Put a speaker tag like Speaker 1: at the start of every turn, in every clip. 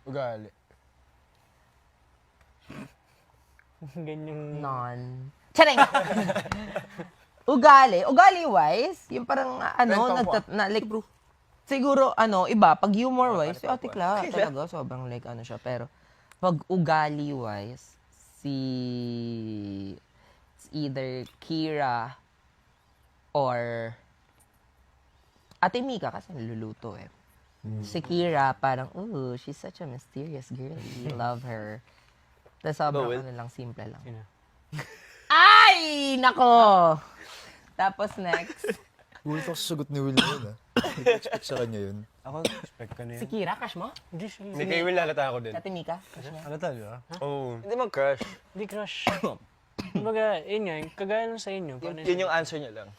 Speaker 1: Ugali.
Speaker 2: Ganyang...
Speaker 3: Non. Charing! Ugali-wise, yung parang like, siguro, iba, pag humor-wise, si Ate Cla, talaga, sobrang like, siya. Pero, pag ugali-wise, it's either Kira or Ate Mika, kasi niluluto eh. Si Kira, parang, ooh, she's such a mysterious girl. Love her. Tapos sobrang lang, simple lang.
Speaker 2: Sino?
Speaker 3: Ay! Nako! Tapos next,
Speaker 4: Gulit ako sa sagot ni Will na yun, ah. Expect sa kanya yun.
Speaker 1: Ako, expect ka na
Speaker 3: si
Speaker 1: yan.
Speaker 3: Kira, crush mo?
Speaker 2: Hindi siya.
Speaker 1: Hindi kay Will halata ako din.
Speaker 3: Ate Mika, crush niya?
Speaker 1: Halata, di ba?
Speaker 5: Oh. Hindi man crush.
Speaker 2: Hindi crush. Kumbaga, yun nga, kagaya lang sa inyo.
Speaker 5: Yun yung answer niya lang.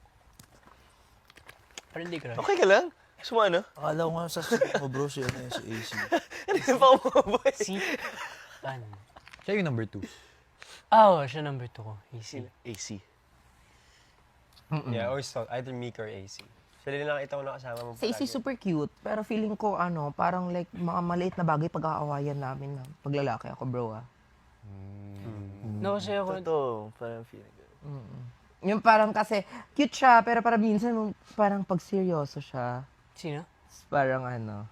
Speaker 2: Pero hindi crush.
Speaker 5: Okay ka lang? Sumano?
Speaker 4: Akala ko nga sa mo bro, si AC.
Speaker 5: Hindi pa umuboy.
Speaker 2: Si... Ano?
Speaker 4: Siya yung number 2.
Speaker 2: Oh, siya number 2 ko. Easy.
Speaker 5: AC.
Speaker 1: Yeah, I always thought either Mika or AC. Sila din nakita ko nakasama mo
Speaker 3: Si AC super cute, pero feeling ko, parang like, mga maliit na bagay pag-aawayan namin na pag lalaki ako, bro, ah.
Speaker 2: No, kasi ako...
Speaker 5: Totoo. Parang feeling ko.
Speaker 3: Yung parang kasi, cute siya, pero parang minsan, parang pag seryoso siya,
Speaker 2: Sino?
Speaker 3: parang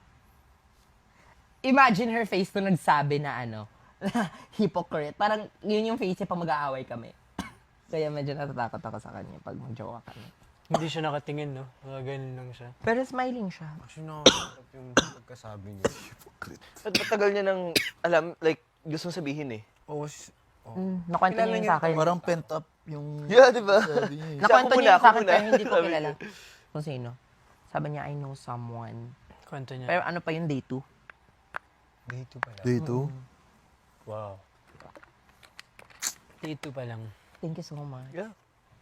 Speaker 3: imagine her face nung nagsabi na hypocrite. Parang yun yung face niya pag mag-aaway kami. Kaya medyo natatakot ako sa kanya pag mag-jowa kami.
Speaker 2: Hindi siya nakatingin, no? Mga ganun lang siya.
Speaker 3: Pero smiling siya.
Speaker 1: Actually, nakakasarap yung pagkasabi niya.
Speaker 5: At matagal niya nang alam, like, gusto sabihin eh.
Speaker 1: Oh,
Speaker 3: Nakwento niya yun sa akin.
Speaker 4: Parang pent up yung...
Speaker 5: Yeah, di ba?
Speaker 4: Sabi niya eh.
Speaker 3: Nakwento
Speaker 5: Ako
Speaker 3: niya yun
Speaker 5: muna,
Speaker 3: sa akin
Speaker 5: ako
Speaker 3: pero
Speaker 5: muna.
Speaker 3: hindi ko
Speaker 5: Sabi
Speaker 3: kilala. Kung sino. Sabi niya, I know someone.
Speaker 2: Kwento niya.
Speaker 3: Pero ano pa yung day 2?
Speaker 1: dito pala.
Speaker 4: Day 2?
Speaker 1: Wow.
Speaker 2: Dito pa lang.
Speaker 3: Thank you so much.
Speaker 5: Yeah.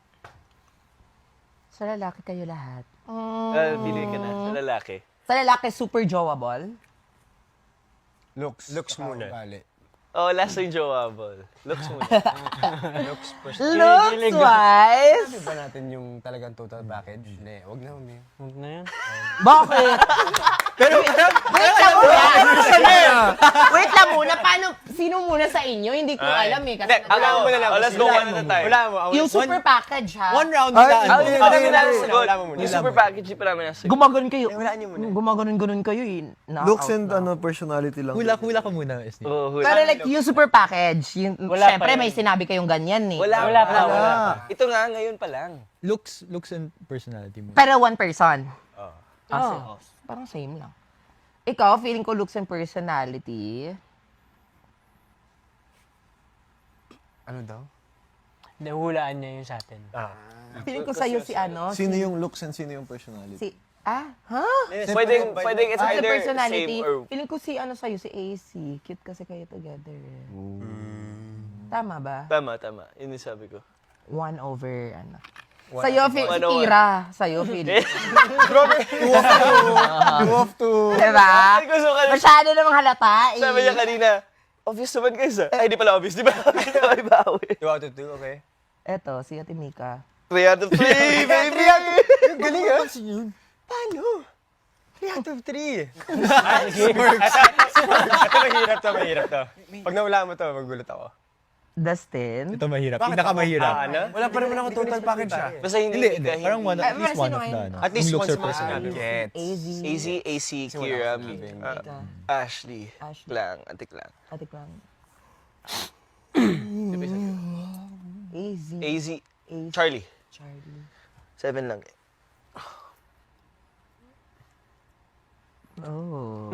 Speaker 3: Sa lalaki kayo lahat.
Speaker 5: Pili ka na sa lalaki.
Speaker 3: Sa lalaki, super jowable.
Speaker 1: Looks muna. Ugali.
Speaker 5: Oh, last yung jowable. Looks muna.
Speaker 1: Looks first.
Speaker 3: Looks-wise?
Speaker 1: Sabi ba natin yung talagang total package? Hindi, wag na umi.
Speaker 2: Huwag na yan.
Speaker 3: Bakit? Pero wait lang muna. Wait lang muna. Paano, sino muna sa inyo? Hindi ko alam eh. Kasi
Speaker 5: Wala mo na lang. Let's go one at a time.
Speaker 1: Wala mo.
Speaker 3: yung super package ha.
Speaker 1: One round
Speaker 4: Ay,
Speaker 1: na.
Speaker 4: hindi,
Speaker 5: Wala mo na
Speaker 4: hindi.
Speaker 5: sagot.
Speaker 1: Wala mo muna.
Speaker 5: Yung super package, di pa namin nasagot.
Speaker 3: Gumaganon kayo.
Speaker 1: Wala niyo muna.
Speaker 3: Gumaganon kayo eh.
Speaker 4: Looks and personality lang.
Speaker 6: Hula ka muna, SJ.
Speaker 5: Oh, hula.
Speaker 3: Pero like yung super package, yung,
Speaker 2: Wala
Speaker 3: syempre
Speaker 2: pa yun.
Speaker 3: may sinabi kayong ganyan eh.
Speaker 2: Wala pa.
Speaker 5: Ito nga, ngayon pa lang.
Speaker 6: Looks and personality mo.
Speaker 3: Pero one person.
Speaker 2: Oh.
Speaker 3: Parang same lang. Ikaw, feeling ko looks and personality.
Speaker 1: Ano daw?
Speaker 2: Nahulaan niya yun sa atin.
Speaker 3: Feeling ko sa'yo si
Speaker 4: Sino yung looks and sino yung personality?
Speaker 3: Si, ha?
Speaker 5: Pwedeng it's
Speaker 3: As a
Speaker 5: either
Speaker 3: personality,
Speaker 5: same or...
Speaker 3: feeling ko si sa'yo, si AC. Cute kasi kayo together. Tama ba?
Speaker 5: Tama. Yun yung sabi ko.
Speaker 3: 1 over, Sa'yo, si
Speaker 5: 1/1.
Speaker 3: Kira. Sa'yo, feeling.
Speaker 4: You have to...
Speaker 3: Diba?
Speaker 5: Ay, gusto ka na.
Speaker 3: Masyado namang halata eh.
Speaker 5: Sabi niya kanina, obvious naman guys ah. Ay, di pala obvious, di ba? Ay, bawi.
Speaker 1: 2 out of 2, okay?
Speaker 3: Eto, si Ate Mika.
Speaker 5: 3 out of 3, baby!
Speaker 1: Galing ah!
Speaker 4: Pansin yun.
Speaker 1: Paano? 3 out of 3. Ito mahirap to. Pag nawala mo to, magulat ako.
Speaker 3: Dustin.
Speaker 6: Ito mahirap. Pinakamahirap.
Speaker 5: Ano?
Speaker 1: Wala pa rin ako total package ah.
Speaker 5: Basta hindi.
Speaker 6: Hindi. Parang one,
Speaker 3: Ay,
Speaker 6: at least
Speaker 3: sino
Speaker 6: one of
Speaker 3: ngayon?
Speaker 6: the,
Speaker 1: At least
Speaker 6: yung looks
Speaker 1: once
Speaker 6: or
Speaker 1: mo
Speaker 6: personality.
Speaker 1: Gets.
Speaker 3: AZ.
Speaker 5: AC, Kira,
Speaker 3: Mika.
Speaker 5: Ashley.
Speaker 3: Ashley.
Speaker 5: Lang, antik lang.
Speaker 3: Ate Clang. AZ.
Speaker 5: AZ,
Speaker 3: AZ.
Speaker 5: Charlie.
Speaker 3: Charlie.
Speaker 5: 7 lang.
Speaker 3: Oh.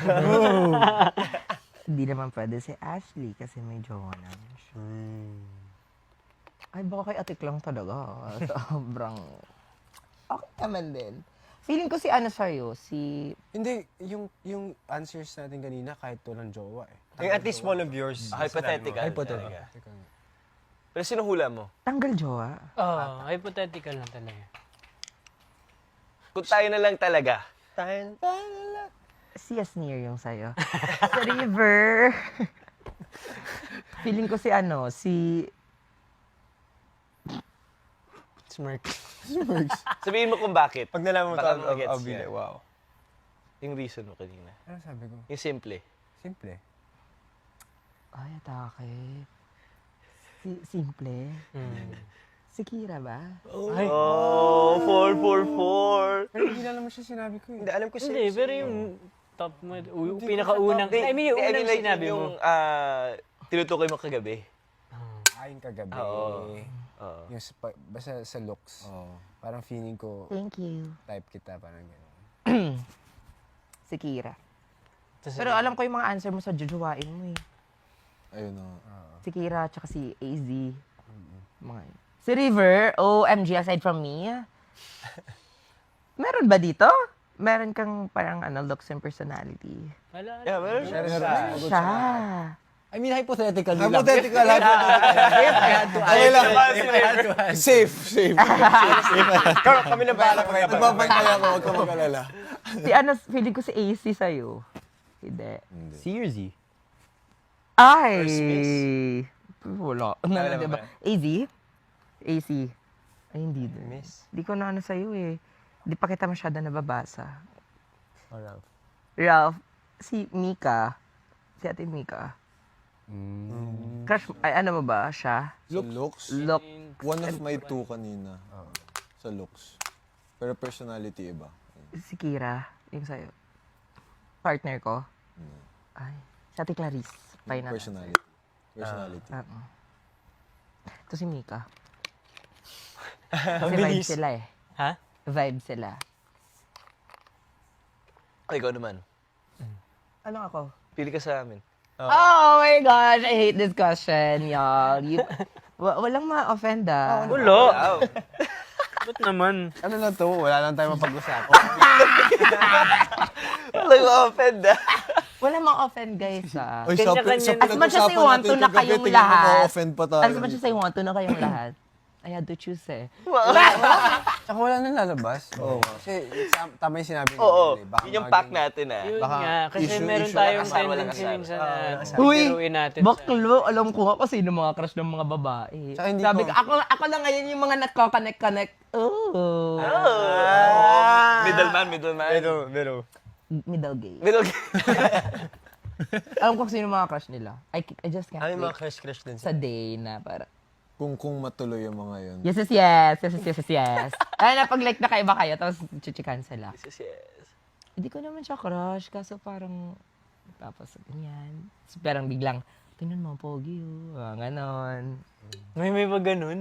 Speaker 3: Hindi naman pwede si Ashley kasi may jowa naman siya. Ay, baka kay Ate Clang talaga. Sobrang... Okay naman din. Feeling ko si sa'yo, si...
Speaker 1: Hindi, yung answers natin kanina kahit walang jowa eh. Yung at least one of yours.
Speaker 5: Hypothetical.
Speaker 6: Hypothetical.
Speaker 5: talaga. Pero sino hula mo?
Speaker 3: Tanggal jowa.
Speaker 2: Oh, hypothetical lang talaga.
Speaker 5: Kung tayo na lang talaga.
Speaker 3: Si Yasnir yung sa'yo. Sa River. Feeling ko si si...
Speaker 2: Smirk.
Speaker 5: Sabihin mo kung bakit.
Speaker 1: Pag nalaman mo
Speaker 5: Baka
Speaker 1: to,
Speaker 5: magets
Speaker 1: I'll be
Speaker 5: yan.
Speaker 1: like, wow.
Speaker 5: Yung reason mo kanina.
Speaker 1: Ano sabi ko?
Speaker 5: Yung simple.
Speaker 1: Simple.
Speaker 3: Ay, atake. Simple. Si Kira ba?
Speaker 2: Ay,
Speaker 5: Oh, 444.
Speaker 1: Pero hindi na naman siya sinabi ko eh.
Speaker 5: Hindi, alam ko
Speaker 2: hindi, pero yung top mo, pinakaunang, I mean, yung unang
Speaker 5: like,
Speaker 2: sinabi
Speaker 5: yung,
Speaker 2: mo.
Speaker 5: tinutukoy mo kagabi.
Speaker 1: Ayun kagabi.
Speaker 5: Oo.
Speaker 1: Yung basta sa looks. Parang feeling ko,
Speaker 3: Thank you.
Speaker 1: type kita, parang gano'n.
Speaker 3: Si Kira.
Speaker 2: Tas-
Speaker 3: Pero alam ko yung mga answer mo sa jujuwain mo eh.
Speaker 4: Ayun na.
Speaker 3: Si Kira, tsaka si AZ. Mga yun. Si River, OMG, aside from me, meron ba dito? Meron kang parang looks and personality.
Speaker 2: Wala.
Speaker 5: Yeah, meron siya.
Speaker 3: Siya.
Speaker 6: I mean, hypothetical lang.
Speaker 4: Hypothetical.
Speaker 6: Okay lang.
Speaker 4: Safe.
Speaker 5: Kami na bahala kami.
Speaker 4: Nagbabantay ako, huwag ka mag-alala.
Speaker 3: Feeling ko si AC sa'yo. Hindi.
Speaker 6: C or Z?
Speaker 3: Ay!
Speaker 5: First miss.
Speaker 3: Wala.
Speaker 5: Wala
Speaker 3: Diba?
Speaker 5: ba?
Speaker 3: AZ? AC. Ay, hindi din.
Speaker 5: Miss.
Speaker 3: Hindi ko na sa'yo eh. Hindi pa kita masyado nababasa.
Speaker 6: Or Ralph?
Speaker 3: Ralph, si Mika. Si ate Mika. Crush, ay, ano mo ba siya?
Speaker 4: Looks.
Speaker 3: Look.
Speaker 4: One of my two kanina. Sa looks. Pero personality iba.
Speaker 3: Si Kira. Yung sa'yo. Partner ko. Ay. Si ate Clarice. Final.
Speaker 4: Personality.
Speaker 3: Ito si Mika. Kasi vibe sila eh.
Speaker 2: Ha?
Speaker 3: Vibe sila.
Speaker 5: Ikaw naman.
Speaker 3: Ano ako?
Speaker 5: Pili ka sa amin.
Speaker 3: Oh my gosh, I hate this question, y'all. Walang ma-offend ah.
Speaker 2: Wala.
Speaker 5: Wow.
Speaker 2: Ba't naman?
Speaker 1: Ano na to? Wala lang tayo mapag-usapan.
Speaker 5: Walang ma-offend ah.
Speaker 3: Walang ma-offend, guys ah.
Speaker 4: Oy,
Speaker 2: Kanya-kanya.
Speaker 3: As much as I want to na kayong lahat.
Speaker 4: offend pa tayo.
Speaker 3: As much as I want to na kayong lahat. I had to choose eh.
Speaker 1: Tsaka wala nang lalabas. Oo. Kasi tama yung sinabi niya.
Speaker 5: Oo.
Speaker 1: Baka
Speaker 5: Yun yung pack
Speaker 1: maging-
Speaker 5: natin ah.
Speaker 2: Yun
Speaker 1: Baka
Speaker 2: nga, kasi
Speaker 1: issue-
Speaker 2: meron
Speaker 1: issue,
Speaker 2: tayong
Speaker 5: walang asar,
Speaker 2: tendency
Speaker 5: walang
Speaker 2: minsan
Speaker 5: asar.
Speaker 2: na
Speaker 3: Uy,
Speaker 2: biruin natin.
Speaker 3: baklo, alam ko nga kasi sino mga crush ng mga babae.
Speaker 1: Tsaka hindi
Speaker 3: Sabi
Speaker 1: ko-
Speaker 3: ko, ako lang ngayon yung mga nagko-connect-connect. Oh.
Speaker 5: Middleman.
Speaker 3: Middle gay.
Speaker 5: Middle.
Speaker 3: Alam ko kung sino mga crush nila. I just can't
Speaker 5: Ay, mga
Speaker 3: wait
Speaker 5: crush din.
Speaker 3: sa day na para.
Speaker 4: Kung matuloy yung mga yun.
Speaker 3: Yes. Ay, na pag like na kaiba kayo, tapos chichikan sila.
Speaker 5: Yes, yes.
Speaker 3: Hindi ko naman siya crush, kaso parang, tapos ganyan. So, parang biglang, tingnan mo, pogi ganon.
Speaker 2: May ba ganun?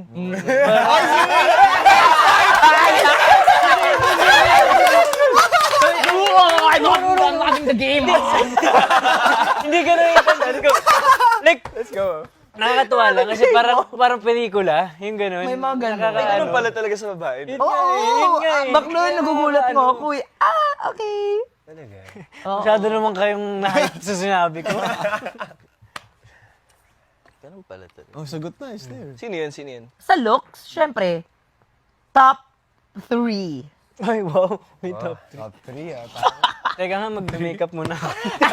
Speaker 3: I'm loving the game!
Speaker 2: Hindi ganun yung tanda ko. Like, let's go. Nakakatuwa lang kasi parang pelikula, yung ganun.
Speaker 3: May mga ganun.
Speaker 5: May ganun pala talaga sa babae.
Speaker 2: Yun nga eh, yun nga eh.
Speaker 3: Baklo, nagugulat mo ako eh. Okay.
Speaker 1: Talaga.
Speaker 2: Masyado naman kayong na-hype sa sinabi ko.
Speaker 5: Ganun pala talaga.
Speaker 4: Oh, sagot na, is there.
Speaker 5: Sino yun?
Speaker 3: Sa looks, syempre, top 3.
Speaker 2: Ay, wow. May top.
Speaker 1: Top 3 ah.
Speaker 2: Teka nga, mag-makeup muna ako.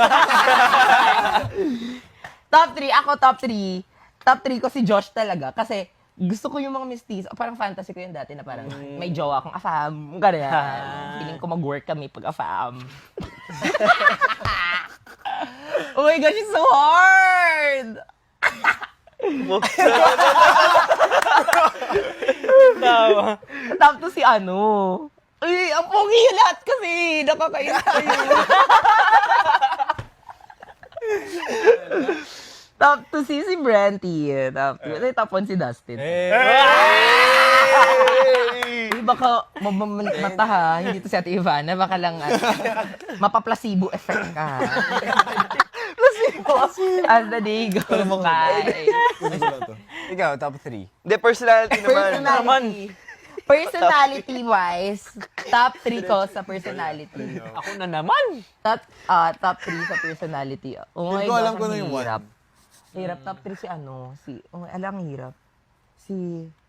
Speaker 3: Top 3, ako top 3. Top 3 ko si Josh talaga. Kasi gusto ko yung mga mistis. O parang fantasy ko yun dati na parang may jowa akong afam. Ganyan. Feeling ko mag-work kami pag afam. Oh my gosh, it's so hard!
Speaker 2: Tawa.
Speaker 3: Top 2 si ano. Ay, ang pogi yung lahat kasi. Nakakainis kayo. Top 2 si Brenty. Top 1 si Dustin. Baka mamamata ha. Hindi to si Ate Ivana. Baka lang mapaplasibo effect ka. As the day goes by.
Speaker 4: Ano ba to?
Speaker 1: Ikaw, top 3.
Speaker 5: The personality naman.
Speaker 3: Personality-wise, top 3 ko sa personality.
Speaker 2: Ako na naman.
Speaker 3: Top 3 sa personality. Oh my
Speaker 4: Hindi ko alam
Speaker 3: gosh,
Speaker 4: kung
Speaker 3: ang
Speaker 4: ano yung
Speaker 3: hirap.
Speaker 4: one.
Speaker 3: Hirap. Top 3 si ano. Alam, hirap. Si